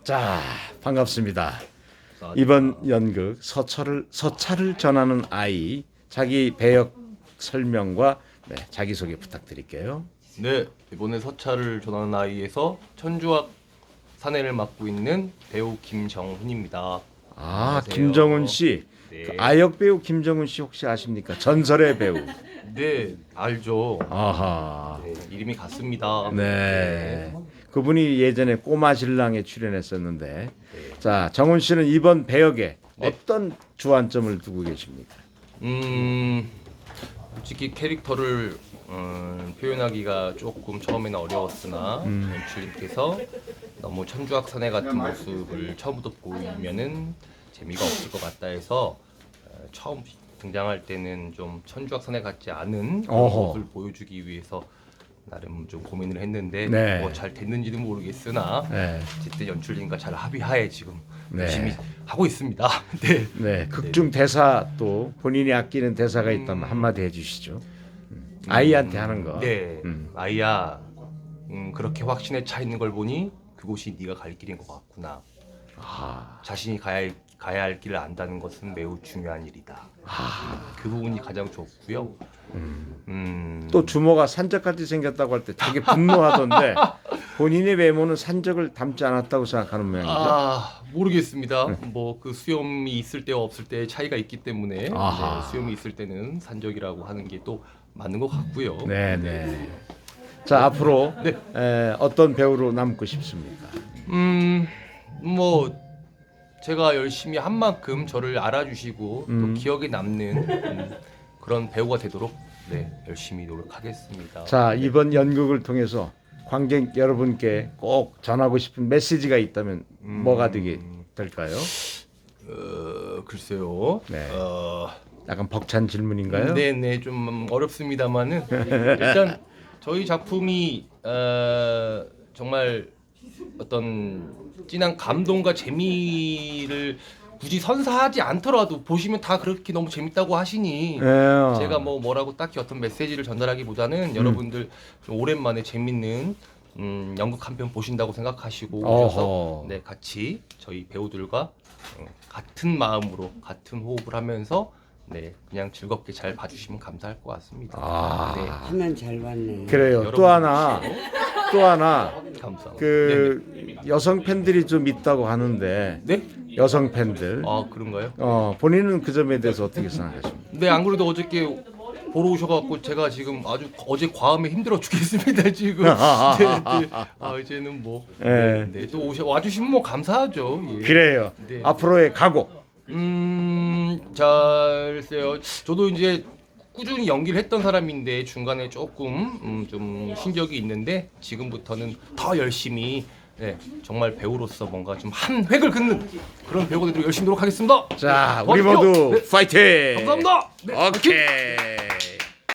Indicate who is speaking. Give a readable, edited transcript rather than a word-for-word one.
Speaker 1: 자, 반갑습니다. 이번 연극 서차를 전하는 아이 자기 배역 설명과 자기소개 부탁드릴게요.
Speaker 2: 네, 이번에 서차를 전하는 아이에서 천주학 사내를 맡고 있는 배우 김정훈입니다. 안녕하세요.
Speaker 1: 김정훈 씨.
Speaker 2: 네.
Speaker 1: 그 아역 배우 김정훈 씨 혹시 아십니까? 전설의 배우.
Speaker 2: 네, 알죠.
Speaker 1: 아하.
Speaker 2: 네, 이름이 같습니다.
Speaker 1: 네. 그분이 예전에 꼬마 신랑에 출연했었는데,
Speaker 2: 네.
Speaker 1: 자, 정훈 씨는 이번 배역에
Speaker 2: 네.
Speaker 1: 어떤 주안점을 두고 계십니까?
Speaker 2: 솔직히 캐릭터를 표현하기가 조금 처음에는 어려웠으나 연출님께서 너무 천주학 사내 같은 모습을 처음부터 보이면은 재미가 없을 것 같다 해서 처음 등장할 때는 좀 천주학 사내 같지 않은 그런
Speaker 1: 어허.
Speaker 2: 모습을 보여주기 위해서 나름 좀 고민을 했는데
Speaker 1: 네.
Speaker 2: 뭐 잘 됐는지는 모르겠으나
Speaker 1: 네.
Speaker 2: 어쨌든 연출님과 잘 합의하에 지금
Speaker 1: 네.
Speaker 2: 열심히 하고 있습니다. 네.
Speaker 1: 네, 극중 대사 또 본인이 아끼는 대사가 있다면 한마디 해주시죠. 아이한테 하는 거.
Speaker 2: 네.
Speaker 1: 음.
Speaker 2: 아이야, 그렇게 확신에 차 있는 걸 보니 그곳이 네가 갈 길인 것 같구나.
Speaker 1: 아,
Speaker 2: 자신이 가야 할 길을 안다는 것은 매우 중요한 일이다. 그 부분이 가장 좋고요.
Speaker 1: 또 주모가 산적같이 생겼다고 할 때 되게 분노하던데 본인의 외모는 산적을 닮지 않았다고 생각하는 모양이죠.
Speaker 2: 모르겠습니다. 뭐 그 수염이 있을 때와 없을 때의 차이가 있기 때문에
Speaker 1: 아하.
Speaker 2: 수염이 있을 때는 산적이라고 하는 게 또 맞는 것 같고요.
Speaker 1: 네, 네. 자, 앞으로
Speaker 2: 네.
Speaker 1: 어떤 배우로 남고 싶습니까?
Speaker 2: 뭐 제가 열심히 한 만큼 저를 알아주시고 또 기억에 남는 그런 배우가 되도록 열심히 노력하겠습니다.
Speaker 1: 자, 이번 연극을 통해서 관객 여러분께 꼭 전하고 싶은 메시지가 있다면 뭐가 될까요?
Speaker 2: 글쎄요.
Speaker 1: 네. 약간 벅찬 질문인가요?
Speaker 2: 네네, 좀 어렵습니다만은 일단 저희 작품이 정말 어떤 진한 감동과 재미를 굳이 선사하지 않더라도 보시면 다 그렇게 너무 재밌다고 하시니
Speaker 1: 네.
Speaker 2: 제가 뭐라고 딱히 어떤 메시지를 전달하기보다는 여러분들 좀 오랜만에 재밌는 연극 한 편 보신다고 생각하시고 오셔서
Speaker 1: 어허.
Speaker 2: 같이 저희 배우들과 같은 마음으로 같은 호흡을 하면서 그냥 즐겁게 잘 봐주시면 감사할 것 같습니다.
Speaker 3: 하면 잘 봤네.
Speaker 1: 그래요.
Speaker 2: 여러분.
Speaker 1: 또 하나
Speaker 2: 감사합니다.
Speaker 1: 그 여성 팬들이 좀 있다고 하는데
Speaker 2: 네?
Speaker 1: 여성 팬들.
Speaker 2: 그런가요?
Speaker 1: 본인은 그 점에 대해서 어떻게 생각하십니까?
Speaker 2: 네, 안 그래도 어저께 보러 오셔갖고 제가 지금 아주 어제 과음에 힘들어 죽겠습니다 지금. 이제는 또 와주시면 뭐 감사하죠. 예.
Speaker 1: 그래요.
Speaker 2: 네.
Speaker 1: 앞으로의 각오.
Speaker 2: 글쎄요. 저도 이제 꾸준히 연기를 했던 사람인데 중간에 조금 좀 신경이 있는데 지금부터는 더 열심히 정말 배우로서 뭔가 좀 한 획을 긋는 그런 배우가 되도록 열심히 노력하겠습니다.
Speaker 1: 자,
Speaker 2: 네,
Speaker 1: 우리
Speaker 2: 도와주십시오.
Speaker 1: 모두 파이팅!
Speaker 2: 감사합니다. 네, 파이팅!
Speaker 1: 오케이.